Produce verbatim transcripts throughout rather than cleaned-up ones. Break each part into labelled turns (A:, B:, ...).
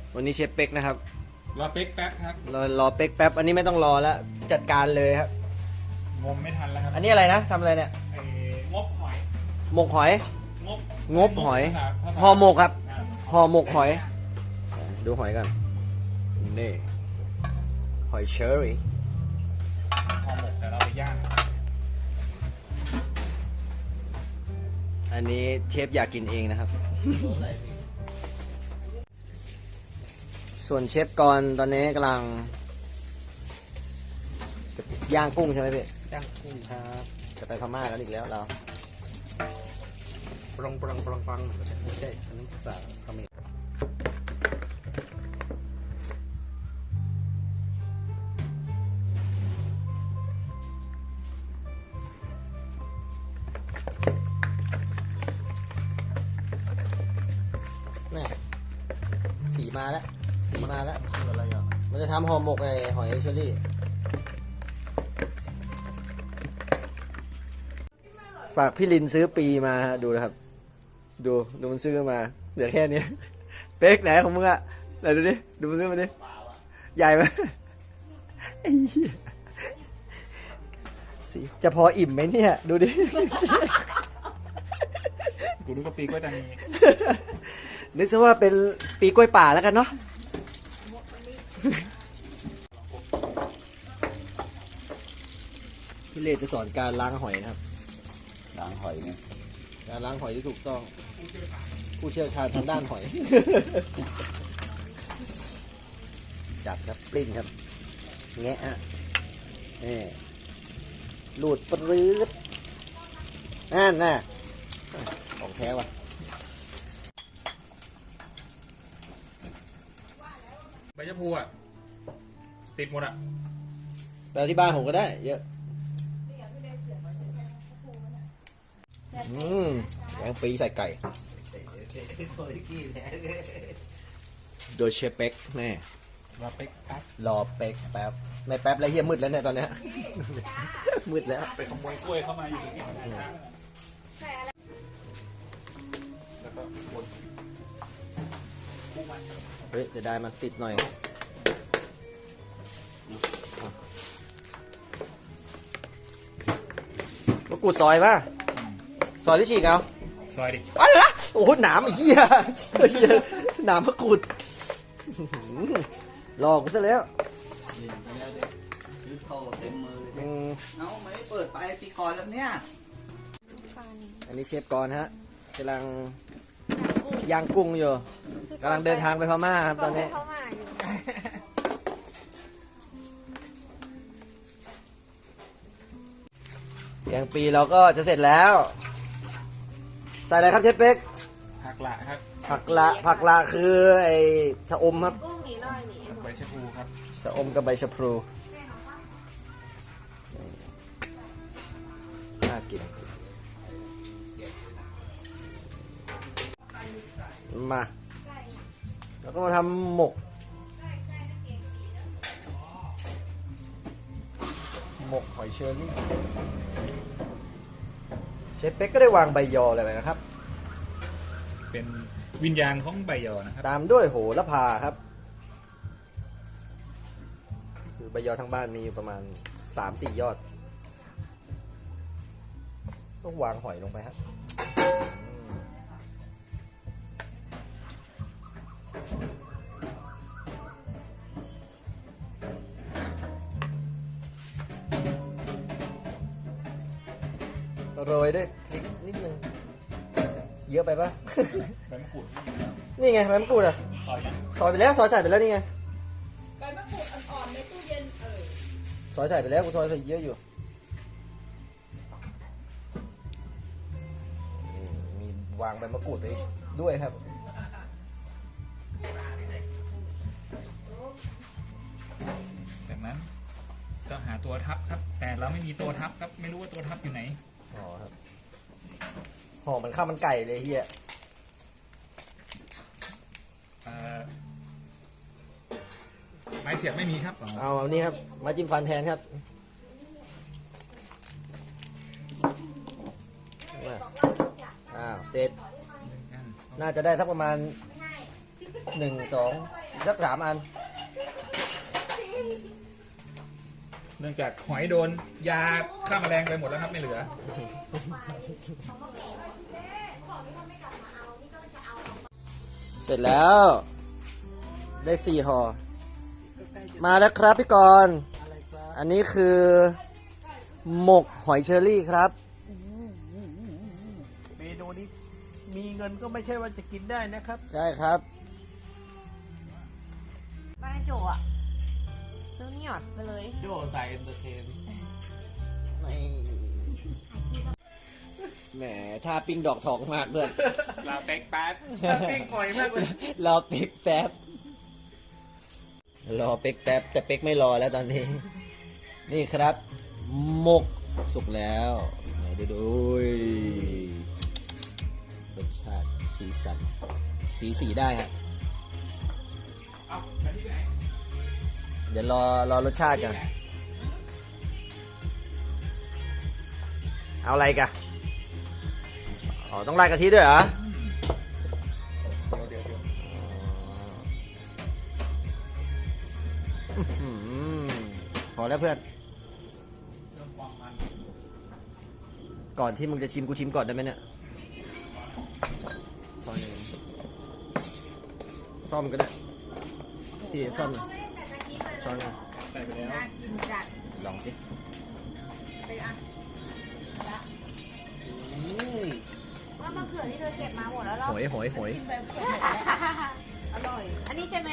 A: วันนี้เชฟเป๊กนะครับ
B: รอเป๊กแป๊บครับ
A: รอรอเป๊กแป๊บอันนี้ไม่ต้องรอแล้วจัดการเลยครับ
B: งมไม่ทันแล้วครับ
A: อันนี้อะไรนะทำอะไรเนี่ย
B: ไอ้งบหอย
A: หมกหอย
B: งบ
A: งบหอยห่อหมกครับห่อหมกหอยดูหอยกันนี่หอยเชอรี่
B: ห่อหมกแต่เราไปย่าง
A: อันนี้เชฟอยากกินเองนะครับส่วนเชฟกรตอนนี้กำลังจะย่างกุ้งใช่ไหมพี่
B: ย่างกุ้งครับ
A: จะไปพม่ากันอีกแล้วเรา
B: ปรองปรองปรองปรองไม่ใช่อันนี้ภาษาเขมร
A: นี่สีมาแล้วสีมาแล้ว
B: คืออะไรอ่ะ
A: มันจะทำห่อหมกไอ้หอยเชอรี่ฝากพี่ลินซื้อปีมาดูนะครับดูดูมันซื้อมาเหลือแค่นี้เป๊กไหนของมึงอะไหนดูดิดูมันซื้อมาดิใหญ่ไหมสิจะพออิ่มไหมเนี่ยดูดิ
B: กูรู้ว่าปีก็จะมี
A: นึกซะว่าเป็นปีกล้วยป่าแล้วกันเนาะพี่เลจะสอนการล้างหอยนะครับ
C: ล้างหอยไง
A: การล้างหอยที่ถูกต้องผู้เชี่ยวชาญทางด้านหอยจับครับปลิ้นครับแงะฮะนี่หลุดปรื้ดนั่นน่ะของแท้ว่ะ
B: ใบชะพูอ่ะติดหมดอ่ะ
A: แปลที่บ้านผมก็ได้เยอะอืมแกงปีใส่ไก่โดยเชฟเป๊กแน่
B: รอเป๊กแป๊บ
A: รอเป๊กแป๊บไม่แป๊บแล้วเฮียมืดแล้วเนี่ยตอนเนี้ยมืดแล้ว
B: ไปขโมยกล้วยเข้ามาอยู่ตรงนี้แล้วก็บด
A: เฮ้ยจะได้มันติดหน่อยมะกรูดซอยป่ะซอยที่ฉีกเอา
B: ซอยดิ
A: อะไรนะโอ้โหหนามเหี้ยเหี้ยหนามมะกรูดหลอกกูซะแล้ว
C: ซื้อเข้าเต็มมือเลยเอาไม่เปิดไปปีก่อนแล้วเนี่ย
A: อันนี้เชฟกรฮะกำลังย่างกุ้งอยู่กำลังเดินทางไปพม่าครับตอนนี้แกงปีเราก็จะเสร็จแล้วใส่อะไรครับเชฟเป๊ก
B: ผักละครับ
A: ผักละผักละคือไอ้ชะอมครับ
B: ใบชะพูครับ
A: ชะอมกับใบชะพลูน่ากินมาแล้วก็มาทำหมกหมกหอยเชอรี่เชฟเป๊กก็ได้วางใบยออะไรไปนะครับ
B: เป็นวิญญาณของใบยอนะครับ
A: ตามด้วยโหระพาครับคือใบยอทั้งบ้านมีอยู่ประมาณ สามสี่ ยอดต้องวางหอยลงไปครับโรยด้วยพริกนิดนึงเยอะไปปะ
B: ใบมะกรูด
A: นี่ไงใบมะกรูดอ่ะ
B: ซอยนะ
A: ซอยไปแล้วซอยใส่ไปแล้วนี่ไง
D: ใบมะกรูดอ่อนๆในตู้เย็นเออ
A: ซอยใส่ไปแล้วกูซอยใส่เยอะอยู่มีวางใบมะกรูดไปด้วยครับ
B: จากนั้นต้องหาตัวทับครับแต่เราไม่มีตัวทับครับไม่รู้ว่าตัวทับอยู่ไหน
A: อ๋อครับห่อมันข้าวมันไก่เลยเฮีย
B: ไม้เสียบไม่มีครับ
A: เอาเอานี่ครับมาจิ้มฟันแทนครับอ้าวเสร็จน่าจะได้สักประมาณหนึ่งสองสักสามอัน
B: เนื่องจากหอยโดนยาฆ่าแมลงไปหมดแล้วครับไม่เหลือ
A: เสร็จแล้ว ได้สี่ห่อมาแล้วครับพี่กรณ์อันนี้คือหมกหอยเชอรี่ครับ
E: เมนูนี้มีเงินก็ไม่ใช่ว่าจะกินได้นะครับ
A: ใช่ครับ
F: บ้านโจอ่ะซื้อนี่หยอดไปเลย
E: โจ้ใส่เอนเตอร์เทน
A: แหมถ้าปิ้งดอกทองมากด้วย
B: ลาเต็กแป๊ดเป้งก่อยมากเลย
A: รอเป็กแป๊บ รอเป็กแป๊บแต่เป็กไม่รอแล้วตอนนี้ นี่ครับ หมกสุกแล้วไหนดูดูรสชาติสีสัน สีสีได้ครับ
B: เอาไปที่ไหน
A: เดี๋ยวรอรอรสชาติกัน เอาอะไรกันอ๋อ ต้องราดกะทิด้วยเหรอ
B: เดี๋ยวเดี๋ยว
A: อื้อหือพอแล้วเพื่อน
B: เริ่มความมัน
A: ก่อนที่มึงจะชิมกูชิมก่อนได้ไหมเนี่ยซ่อมหนึ่งซ่อมก็ได้พี่ซ่อมหน่อยซ่อมหน่อย
B: ใส่ไปแล้ว
F: น่ากินจัด
A: ลองสิ
F: ไปอ่ะ
A: อืม
F: เมื่อมะเขือที่เธอเก็บมาหมดแล้วเหรอ
A: หอยหอยหอย
F: อร่อย อันนี้ใช่ไหม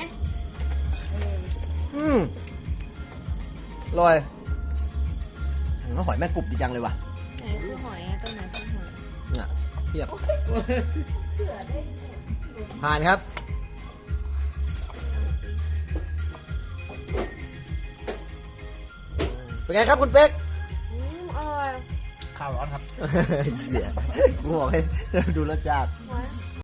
A: อืมอร่อยอืมหอยแม่กรุบดีจังเลยว่ะ
F: ไหนคือหอยอะตัวไหนคือหอย
A: เนี่ยเพียบผ่านครับ เป็นไงครับคุณเป๊ก
F: อืมอร่อย
B: ข้าวร้อนครับ
A: เหี้ยกูบอกให้ดูรสชาติ
F: หอย